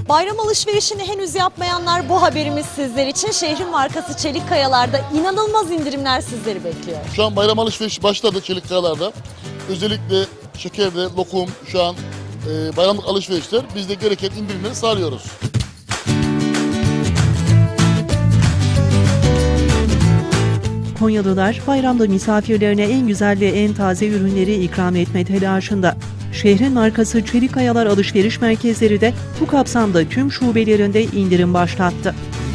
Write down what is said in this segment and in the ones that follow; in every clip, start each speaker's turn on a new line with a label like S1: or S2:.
S1: Bayram alışverişini henüz yapmayanlar, bu haberimiz sizler için. Şehrin markası Çelik Kayalar'da inanılmaz indirimler sizleri bekliyor.
S2: Şu an bayram alışverişi başladı Çelik Kayalar'da. Özellikle şekerde, lokum şu an bayramlık alışverişler. Biz de gereken indirimleri sağlıyoruz.
S3: Konyalılar bayramda misafirlerine en güzel ve en taze ürünleri ikram etme telaşında. Şehrin markası Çelik Kayalar alışveriş merkezleri de bu kapsamda tüm şubelerinde indirim başlattı.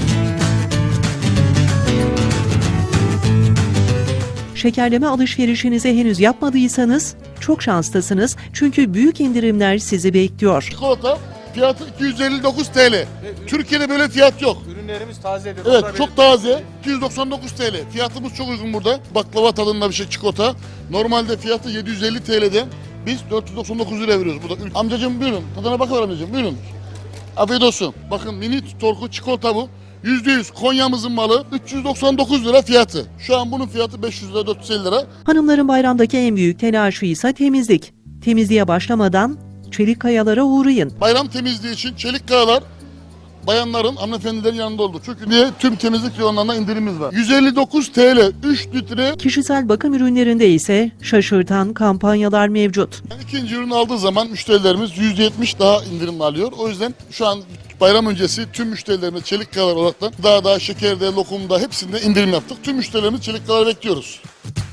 S3: Şekerleme alışverişinizi henüz yapmadıysanız çok şanslısınız, çünkü büyük indirimler sizi bekliyor.
S2: Çikolata fiyatı 259 TL. Türkiye'de böyle fiyat yok.
S4: Ürünlerimiz tazedir.
S2: Evet, çok taze. 299 TL. Fiyatımız çok uygun burada. Baklava tadında bir şey çikolata. Normalde fiyatı 750 TL'den biz 499 lira veriyoruz burada. Amcacığım buyurun. Tadına bakın amcacığım buyurun. Afiyet olsun. Bakın mini torku çikolata bu. %100 Konya'mızın malı, 399 lira fiyatı. Şu an bunun fiyatı 500 lira, 450 lira.
S3: Hanımların bayramdaki en büyük telaşı ise temizlik. Temizliğe başlamadan Çelik Kayalar'a uğrayın.
S2: Bayram temizliği için Çelik Kayalar bayanların, hanımefendilerin yanında oldu. Çünkü niye? Tüm temizlik reyonlarına indirimimiz var. 159 TL 3 litre.
S3: Kişisel bakım ürünlerinde ise şaşırtan kampanyalar mevcut.
S2: Yani ikinci ürünü aldığı zaman müşterilerimiz %70 daha indirim alıyor. O yüzden şu an bayram öncesi tüm müşterilerimiz Çelik Kayalar olarak da daha şekerde, lokumda hepsinde indirim yaptık. Tüm müşterilerimiz Çelik Kayalar bekliyoruz.